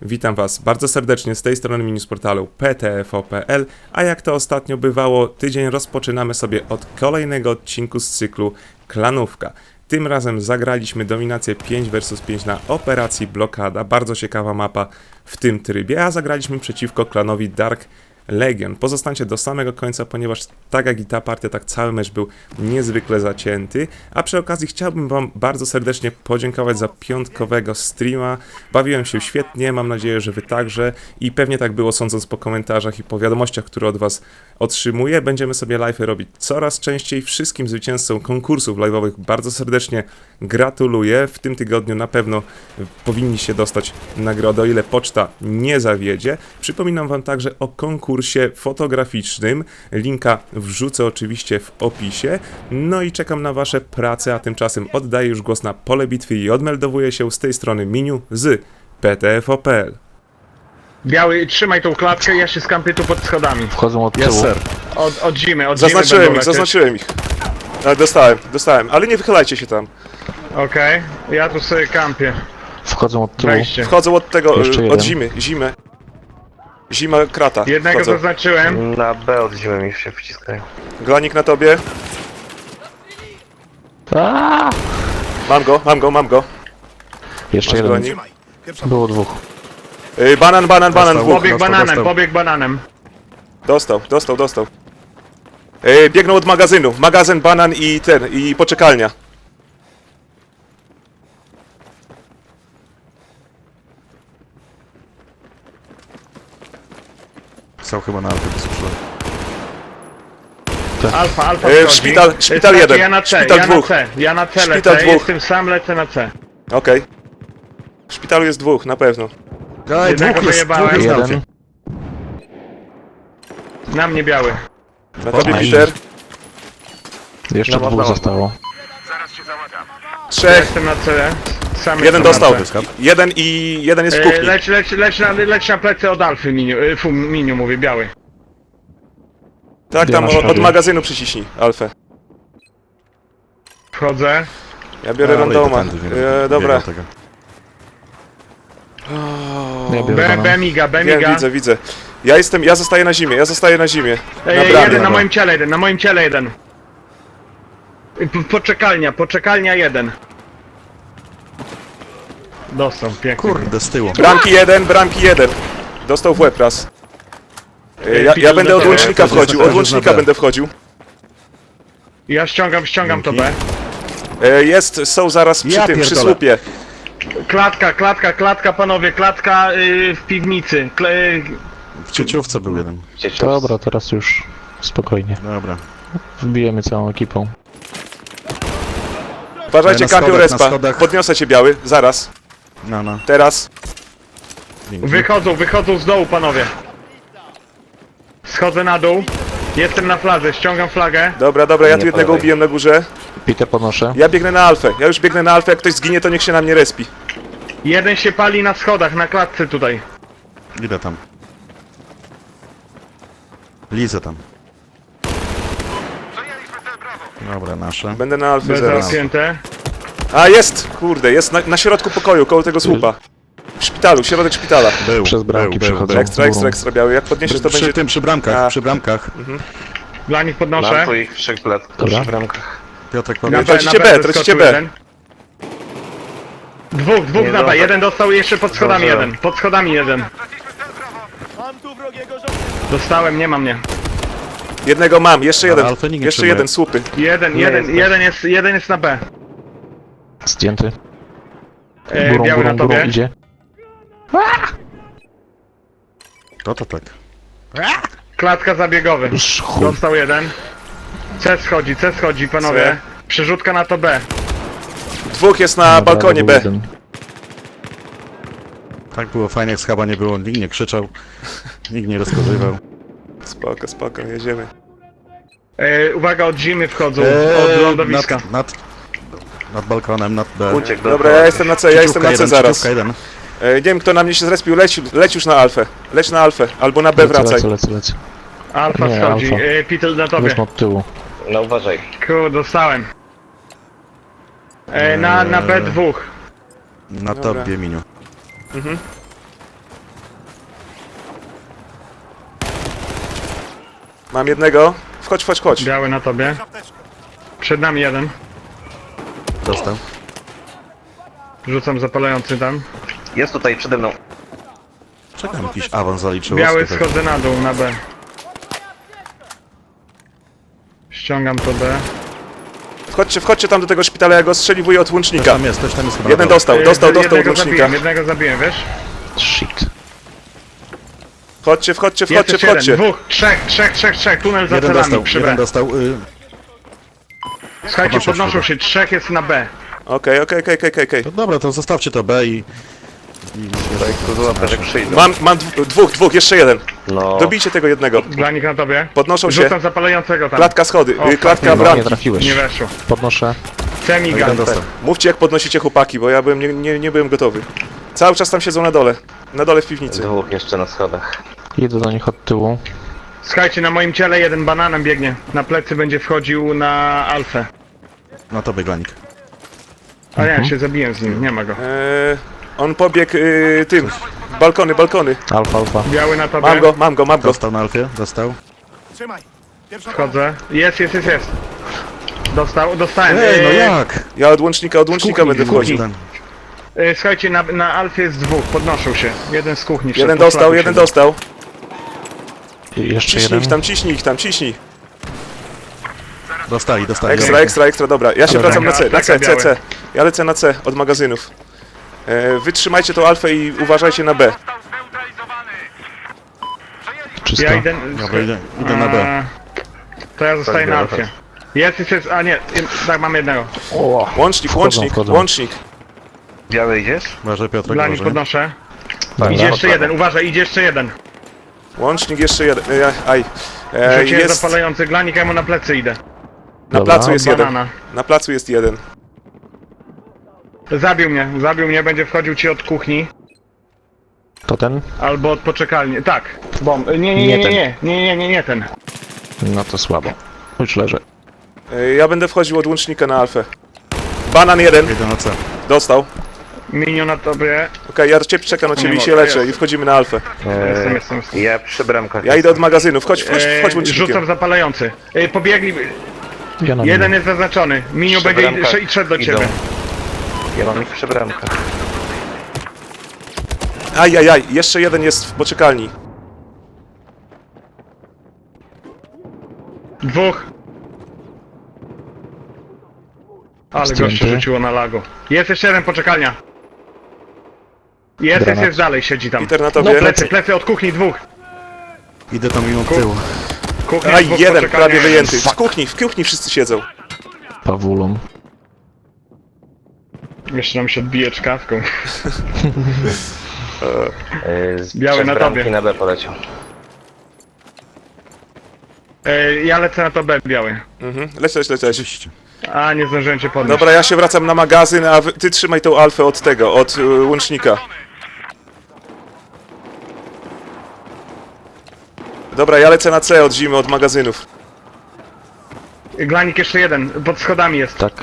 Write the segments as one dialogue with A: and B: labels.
A: Witam Was bardzo serdecznie z tej strony mini z portalu ptfo.pl, a jak to ostatnio bywało, tydzień rozpoczynamy sobie od kolejnego odcinku z cyklu Klanówka. Tym razem zagraliśmy dominację 5 vs 5 na operacji Blokada, bardzo ciekawa mapa w tym trybie, a zagraliśmy przeciwko klanowi Dark Legion. Pozostańcie do samego końca, ponieważ tak jak i ta partia, tak cały mecz był niezwykle zacięty. A przy okazji chciałbym Wam bardzo serdecznie podziękować za piątkowego streama. Bawiłem się świetnie, mam nadzieję, że Wy także i pewnie tak było, sądząc po komentarzach i po wiadomościach, które od Was otrzymuję. Będziemy sobie live'y robić coraz częściej. Wszystkim zwycięzcom konkursów live'owych bardzo serdecznie gratuluję. W tym tygodniu na pewno powinniście dostać nagrodę, o ile poczta nie zawiedzie. Przypominam Wam także o konkursie fotograficznym. Linka wrzucę oczywiście w opisie. No i czekam na Wasze prace, a tymczasem oddaję już głos na pole bitwy i odmeldowuję się z tej strony Miniu z ptfo.pl.
B: Biały, trzymaj tą klatkę, ja się skampię tu pod schodami.
C: Wchodzą od tyłu.
A: Yes, sir.
B: Od zimy
A: Zaznaczyłem ich. Dostałem, ale nie wychylajcie się tam.
B: Okej, ja tu sobie kampię.
C: Wchodzą od tyłu.
B: Wejście.
A: Wchodzą od tego,
C: Jeszcze
A: od
C: jeden.
A: Zima krata.
B: Jednego
A: Wchodzą.
B: zaznaczyłem.
D: Na B od zimy mi się wciskają.
A: Glanik na tobie.
C: Aaaa!
A: Mam go.
C: Jeszcze
A: Masz
C: jeden.
A: glanik?
C: Było dwóch.
A: Banan, dwóch.
B: Pobieg bananem.
A: Dostał. Biegną od magazynu. Magazyn, banan i poczekalnia.
E: Są chyba na Alpy wysuszyłem.
B: Alfa wchodzi.
A: szpital jeden.
B: Ja na C,
A: Szpital
B: ja
A: dwóch.
B: na C, ja na C
A: Szpital
B: lecę,
A: dwóch.
B: jestem sam, lecę na C.
A: Okej. W szpitalu jest dwóch, na pewno.
B: Jednego wyjebałem.
C: Jeden.
B: Na mnie biały.
A: Na tobie
C: Fajnie.
A: Peter.
C: Jeszcze dwóch zostało.
A: Trzech.
B: Jestem na C. Sam
A: Jeden
B: jestem na
A: dostał.
B: C.
A: Jeden jest w kuchni.
B: Leć na plecy od Alfy, Miniu mówię, biały.
A: Tak, tam
C: Ja na
A: od
C: sztabie.
A: magazynu przyciśnij, Alfę.
B: Wchodzę.
A: Ja biorę randoma. Dobra.
C: Ja biorę
B: B miga.
A: Widzę. Ja zostaję na zimie. Na bramie.
B: Jeden na moim ciele jeden. Poczekalnia jeden. Dostał, pięknie.
E: Kurde, z tyłu.
A: Bramki jeden. Dostał w łeb raz. Ja
B: Peter
A: będę od
B: do
A: łącznika
E: tego.
A: wchodził, będę wchodził.
B: Ja ściągam to B.
A: Są zaraz przy
E: Ja
A: tym, przy
E: pierdolę.
A: słupie.
B: Klatka, panowie, klatka w piwnicy.
E: W cieciówce był jeden.
C: Dobra, teraz już spokojnie.
E: Dobra.
C: Wbijemy całą ekipą.
A: Uważajcie,
E: Na
A: kampią
E: schodach, na
A: respa.
E: schodach.
A: Podniosę cię, biały, zaraz.
E: No.
A: Teraz.
E: Dzięki.
B: Wychodzą z dołu, panowie. Schodzę na dół. Jestem na fladze, ściągam flagę.
A: Dobra, ja tu
D: Nie
A: jednego
D: podawaj.
A: ubiłem na górze.
C: Peter podnoszę.
A: Ja biegnę na alfę. Jak ktoś zginie, to niech się na mnie respi.
B: Jeden się pali na schodach, na klatce tutaj.
E: Idę tam. Lizę tam. Dobra, nasze.
A: Będę na alfie
B: Bez
A: zaraz.
B: zamknięte.
A: A, jest! Kurde, jest na środku pokoju, koło tego słupa. W szpitalu, środek szpitala.
E: Był.
C: Przez bramki przechodzą.
A: Ekstra, biały. Jak podniesiesz, to będzie...
E: Przy bramkach,
A: A.
E: przy bramkach.
B: Dla nich podnoszę.
D: Mam tu ich trzech
C: Dobra.
D: przy bramkach.
E: Piotrek
B: Na
E: powiedz.
A: Tracicie B,
B: wyskoczył
A: tracicie B.
B: jeden. Dwóch
D: Nie
B: na B,
D: zdążę.
B: jeden dostał jeszcze pod schodami
D: Zdążyłem.
B: jeden. Pod schodami jeden. Dostałem, nie ma mnie.
A: Jednego mam, jeszcze jeden.
E: Alfy nikt nie
A: Jeszcze
E: przyjmuje.
A: jeden, słupy.
B: Jeden jest na B.
C: Zdjęty.
B: Biały na tobie.
C: idzie.
E: To tak.
B: Klatka zabiegowy.
C: Już chuj.
B: Dostał jeden. C schodzi, panowie.
A: C.
B: Przerzutka na to B.
A: Dwóch jest na
C: Dobra,
A: balkonie
C: był
A: B.
C: jeden.
E: Tak było fajnie, jak schaba nie było. Nikt nie krzyczał. Nikt nie rozkazywał.
A: Spoko, jedziemy.
B: Uwaga, od zimy wchodzą. Od lądowiska.
E: Nad balkonem, nad B.
D: Uciekł do
A: Dobra, ja jestem na C, zaraz.
E: Cieciówka jeden.
A: Nie wiem, kto na mnie się zrespił, leć już na alfę. Leć na alfę, albo na B wracaj.
C: Lecę.
B: Alfa
C: Nie,
B: schodzi.
C: alfa.
B: Peter na tobie.
C: Wezmę od tyłu.
D: No uważaj.
B: Dostałem. Na B2.
E: Na
A: Dobra.
E: tobie, Miniu.
A: Mam jednego. Wchodź, wchodź, wchodź.
B: Biały na tobie. Przed nami jeden.
E: Dostał.
B: Rzucam zapalający tam.
D: Jest tutaj przede mną.
E: Czekam, jakiś awans zaliczył.
B: Biały
E: Oscar.
B: schodzę na dół, na B. Ściągam to B.
A: Wchodźcie, wchodźcie tam do tego szpitala, ja go strzeliwuję od łącznika.
E: Ktoś tam jest chyba.
A: Jeden
E: na dole.
A: dostał, dostał od
B: Jednego
A: łącznika.
B: zabiłem, wiesz?
C: Shit.
A: Wchodźcie, wchodźcie,
B: Jest
A: wchodźcie,
B: jeszcze jeden,
A: wchodźcie.
B: dwóch, trzech, tunel za
E: Jeden
B: celami
E: dostał,
B: przy
E: jeden
B: B.
E: dostał.
B: Słuchajcie,
E: podnoszę
B: podnoszą
E: chyba.
B: się, trzech jest na B.
A: Okej.
E: To dobra, to zostawcie to B i...
D: Tutaj tu złapę, że przyjdą.
A: Mam dwóch, jeszcze jeden.
D: No.
A: Dobijcie tego jednego.
B: Glanik na tobie.
A: Podnoszą się.
B: Rzucam zapalającego tam.
A: Klatka schody,
B: O,
A: klatka
C: Nie
A: bramki.
C: trafiłeś.
B: Nie weszło.
C: Podnoszę.
B: Semigan.
E: Jeden dostał.
A: Mówcie jak podnosicie chłopaki, bo ja byłem, nie byłem gotowy. Cały czas tam siedzą na dole. Na dole w piwnicy.
D: Dwóch jeszcze na schodach.
C: Idę do nich od tyłu.
B: Słuchajcie, na moim ciele jeden bananem biegnie. Na plecy będzie wchodził na alfę.
E: Na tobie, Glanik.
B: A nie, się zabiłem z nim, nie ma go.
A: On pobiegł tym. Balkony.
C: Alfa, alfa.
B: Biały na tobie.
A: Mam go.
E: Dostał na Alfie, dostał.
B: Wchodzę. Jest. Dostałem.
E: Ej, no jak?
A: Ja od łącznika będę wchodził.
E: Ten.
B: Słuchajcie, na alfie jest dwóch, podnoszą się. Jeden z kuchni.
A: Jeden
B: wszedł, po
A: dostał,
B: szlaku
A: jeden
B: siedzą.
A: dostał.
C: I jeszcze
A: Ciśnij
C: jeden.
A: ich tam, ciśnij.
E: Dostali.
A: Ekstra, dobra. Ja się
B: Dobra,
A: wracam na C,
B: biały.
A: C. Ja lecę na C od magazynów. Wytrzymajcie tą alfę i uważajcie na B.
C: Czysto.
B: Ja idę...
E: Dobra, idę na B.
B: To ja zostaję na
D: biorę
B: alfie. Jest, a nie, tak, mam jednego.
C: Wchodzą.
A: Łącznik.
D: Biały idziesz?
E: Uważaj, Piotrek,
B: Dla nich
E: uważaj.
B: podnoszę.
C: Dobra.
B: Idzie jeszcze jeden, uważaj, idzie jeszcze jeden.
A: Łącznik jeszcze jeden.
B: Rzuciłem
A: Jest.
B: zapalający glanik, ja mu na plecy idę.
A: Na
C: Dobra.
A: placu jest jeden.
B: Banana.
A: Na placu jest jeden.
B: Zabił mnie, będzie wchodził ci od kuchni.
C: To ten?
B: Albo od poczekalni. Tak. Bom. Nie ten.
C: No to słabo. Już leżę.
A: Ja będę wchodził od łącznika na alfę. Banan jeden.
E: Idę na C.
A: Dostał.
B: Minio na tobie.
A: Okej, ja czekam na ciebie i się leczę i wchodzimy na alfę.
B: Jestem.
D: Ja przy bramkach.
A: Ja idę od magazynu. Wchodź łącznikiem.
B: Rzucam zapalający. Pobiegli.
C: Ja na
B: Jeden
C: nim.
B: jest zaznaczony. Minio
D: Przy
B: będzie
D: bramkach
B: i szedł do
D: idą.
B: ciebie.
D: Ja mam ich przy bramkach.
A: Ajajaj, jeszcze jeden jest w poczekalni.
B: Dwóch. Ale
C: Zdjęty.
B: goście rzuciło na lago. Jest jeszcze jeden poczekalnia.
C: Granat.
B: Jest dalej, siedzi tam.
A: Peter na tobie.
B: Plecy od kuchni dwóch.
E: Idę tam mimo tyłu.
B: Kuchnia,
A: Aj,
B: dwóch
A: jeden
B: poczekalnia.
A: prawie wyjęty. W kuchni wszyscy siedzą.
C: Pawulą.
B: Jeszcze nam się odbije czkawką. Biały
D: Przez
B: na
D: bramki
B: tobie.
D: na B poleciał.
B: Ja lecę na to B, biały.
A: Leć.
E: Oczywiście.
B: A, nie zdążyłem cię podnieść.
A: Dobra, ja się wracam na magazyn, a ty trzymaj tą alfę od tego, od łącznika. Dobra, ja lecę na C od zimy, od magazynów.
B: Glanik jeszcze jeden, pod schodami jest.
C: Tak.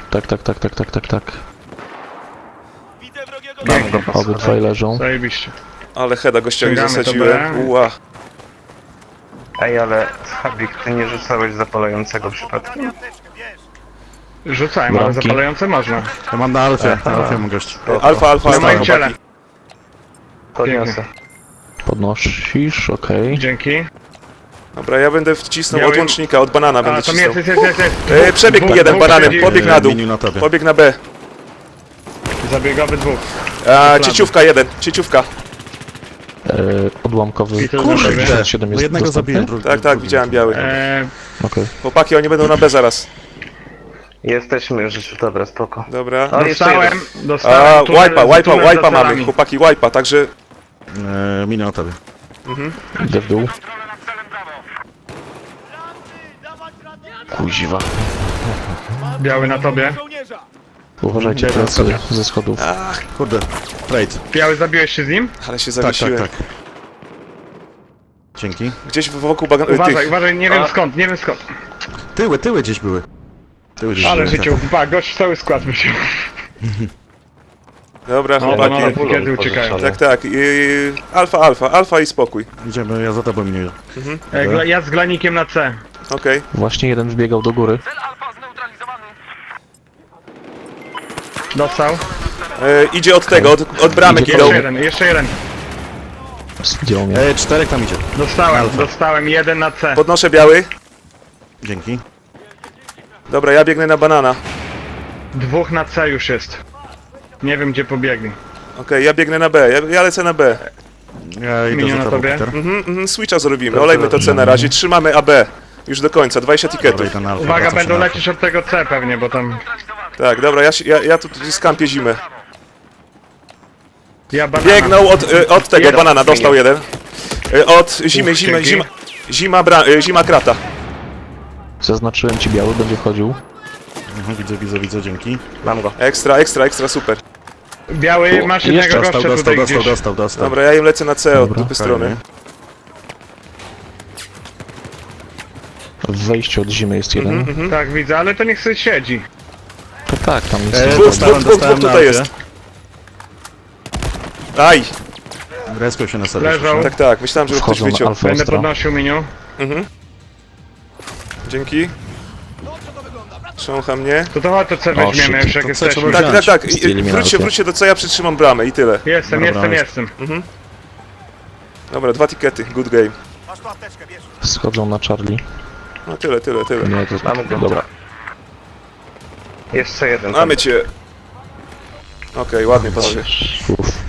D: Mam go po
C: Obydwaj leżą.
B: Zajebiście.
A: Ale heada gościowi
B: Ściągamy to
A: zasadziłem.
B: B.
A: Ua.
D: Ej, ale Habik, ty nie rzucałeś zapalającego przypadkiem?
B: Rzucałem, ale
C: Bramki.
B: zapalające można.
E: To mam na Alfie. Na Alfie mam gości.
A: Alfa,
B: Na moim ciele.
A: chłopaki.
D: Podniosę.
C: Podnosisz, okej.
B: Dzięki.
A: Dobra, ja będę wcisnął
B: Miałem-
A: od łącznika, od banana
B: A,
A: będę
B: tam
A: wcisnął.
B: jest.
A: Przebiegł
B: Dwóch,
A: jeden
B: dwóch
A: bananem,
B: siedzi.
A: pobiegł na dół.
E: Miniu na tobie.
A: Pobiegł na B.
B: Zabiegowy dwóch.
A: Cieciówka jeden, cieciówka.
C: Odłamkowy.
B: I to
C: Kurde,
B: dobrze.
C: 67
E: No
C: jest
E: jednego
C: dostępny?
E: zabiłem, drugi.
A: Tak, widziałem biały.
C: Okej.
A: Chłopaki, oni będą na B zaraz.
D: Jesteśmy już, dobra, spoko.
A: Dobra.
D: O, jeszcze jeden.
B: Dostałem. tunel za
A: Wipe'a mamy,
B: celami.
A: chłopaki, wipe'a, także...
E: Miniu na tobie.
C: Idę w dół. Kuźwa.
B: Biały na tobie.
C: Uważajcie plecy ze schodów.
E: Kurde. Trade.
B: Biały, zabiłeś się z nim?
A: Ale się
E: Tak.
A: zawiesiłem.
E: Dzięki.
A: Gdzieś wokół
B: Uważaj, nie wiem skąd.
E: Tyły gdzieś były. Tyły gdzieś
B: Ale
E: były.
B: życiu, gość cały skład by się.
A: Dobra,
B: No,
A: chłopaki.
B: banana, kiedy uciekają.
A: Tak. Alfa i spokój.
E: Idziemy, ja za tobą nie.
B: Ja z glanikiem na C.
A: Okej.
C: Właśnie jeden wbiegał do góry.
B: Dostał.
A: Idzie od tego, od bramek
C: Idzie
A: idą.
B: Jeszcze jeden.
C: Zdjął mnie.
E: Czterech tam idzie.
B: Dostałem jeden na C.
A: Podnoszę biały.
E: Dzięki.
A: Dobra, ja biegnę na banana.
B: Dwóch na C już jest. Nie wiem gdzie pobiegli.
A: Okej, ja biegnę na B. Ja lecę na B.
E: Ja idę
B: Minie
E: za
B: na
E: tobą,
B: tobie?
E: Peter.
A: Switcha zrobimy. Olejmy to C na razie. Trzymamy AB. Już do końca. 20
E: Dobra,
A: tiketów.
E: idę na alfę,
B: Uwaga,
E: wracam się
B: będą
E: na alfę.
B: lecieć od tego C pewnie, bo tam...
A: Tak, dobra, ja tu skampię zimę.
B: Ja banana.
A: Biegnął od tego
B: Jeden.
A: banana, dostał jeden. Od zimy,
B: dzięki.
A: zima krata.
C: Zaznaczyłem ci biały, będzie wchodził.
E: Widzę, dzięki.
D: Mam go.
A: Ekstra, super.
B: Biały, masz jednego
C: jeszcze
B: gościa tutaj gdzieś.
E: Dostał.
A: Dobra, ja im lecę na C od
C: Dobra.
A: dupy strony.
C: W wejściu od zimy jest jeden.
B: Tak, widzę, ale to niech sobie siedzi.
C: To tak, tam jest.
A: Dwóch tutaj jest. Aj,
E: Respią się na sobie.
B: Leżał.
A: tak, myślałem, że ktoś
C: Wchodzą na
A: wyciął.
C: alfę
B: Będę
C: ostro.
B: podnosił miniu.
A: Dzięki. Trzącha mnie.
B: To chodź, to C weźmiemy
C: shit,
B: już jak
E: to C
B: jesteśmy.
E: trzeba wziąć.
A: Tak.
C: Z eliminacją.
A: Wróćcie do C, ja przytrzymam bramę i tyle.
B: Jestem.
A: Dobra, 2 tikety, good game.
C: Schodzą na Charlie.
A: No tyle.
C: Nie, to
D: Mamy go.
C: dobra.
D: Jeszcze jeden.
A: Mamy cię. Okej, ładnie panowie.
C: Uff.